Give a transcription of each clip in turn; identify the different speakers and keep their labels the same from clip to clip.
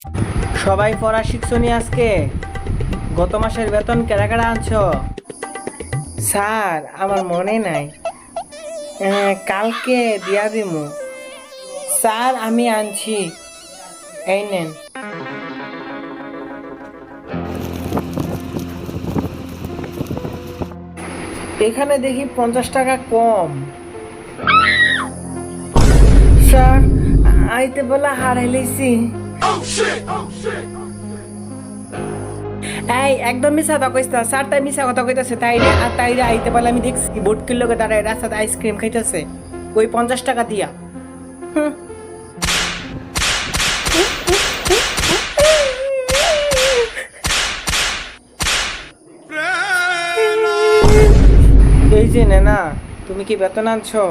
Speaker 1: সবাই পড়া শিখছো নি আজকে? গত মাসের বেতন কেডা কেডা আনছো? স্যার আমার মনে নাই। কালকে দিয়া দিমু। স্যার আমি আনছি, এই নেন। এখানে দেখি 50 টাকা কম। স্যার আইতে বলা হারাই লইছি। এই একদম মিছা কথা কইছ না। স্যার তাই মিছা কথা কইতাছে, তাইরে আইতে বলে আমি দেখছি বোটকির লগে দাঁড়ায় রাস্তাতে আইসক্রিম খাইতেছে ওই 50 টাকা দিয়া। হুম। এই যে না, তুমি কি বেতন আনছো?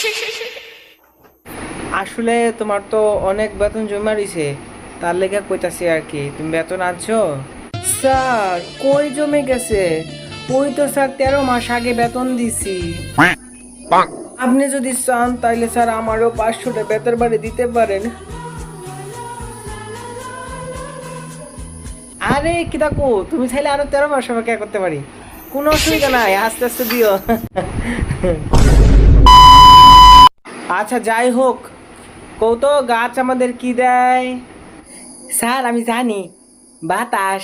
Speaker 1: আসলে তোমার তো অনেক বেতন জমা রইছে, তার লেগে কইতাছি আর কি। তুমি বেতন আনছো? স্যার কই জমে গেছে? ওই তো স্যার 13 মাস আগে বেতন দিছি। আপনি যদি চান তাইলে স্যার আমারও 500 বেতন বাড়ি দিতে পারেন। আরে কি দেখো, তুমি চাইলে আরো 13 মাস অপেক্ষা করতে পারি, কোনো অসুবিধা নাই, আস্তে আস্তে দিও। আচ্ছা যাই হোক, কৌতো গাছ আমাদের কি দেয়? স্যার আমি জানি, বাতাস।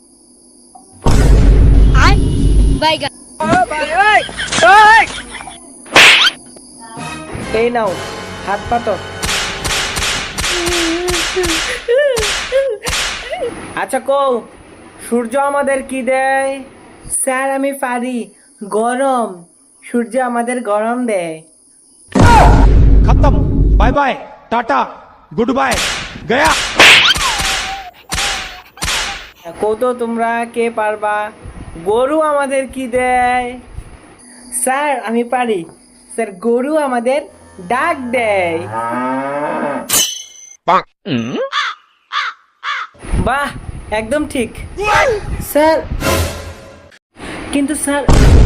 Speaker 1: এই নাও হাত পাতো। আচ্ছা কও, সূর্য আমাদের কি দেয়? স্যার আমি পারি, গরম। সূর্য আমাদের গরম দেয়।
Speaker 2: खत्म। Bye bye, tata, good bye, गया।
Speaker 1: কত তোমরা কে পারবা? গরু আমাদের কি দেয়? স্যার আমি পারি, স্যার গরু আমাদের ডাক দেয়। বাহ একদম ঠিক স্যার। কিন্তু স্যার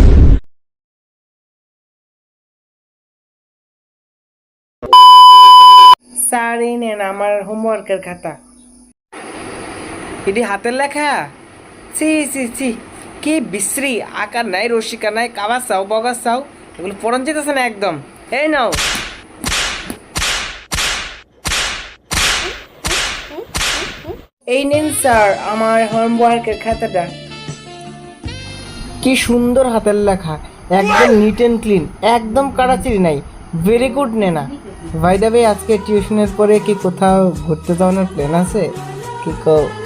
Speaker 1: স্যার এই নেন আমার হোমওয়ার্কের খাতা। এটি হাতের লেখা? ছি ছি ছি, কি বিশ্রী, আকার নাই, রসিকা নাই, কাবার চাও বগার চাও, এগুলো পড়ন যেতেছে না একদম। এই নাও। এই নেন স্যার আমার হোমওয়ার্কের খাতাটা। কি সুন্দর হাতের লেখা, একদম নিট এন্ড ক্লিন, একদম কাড়াচিড়ি নাই। ভেরি গুড নেনা। বাই দ্য ওয়ে আজকে টিউশনের পরে কি কোথাও ঘুরতে যাওয়ার প্ল্যান আছে কি?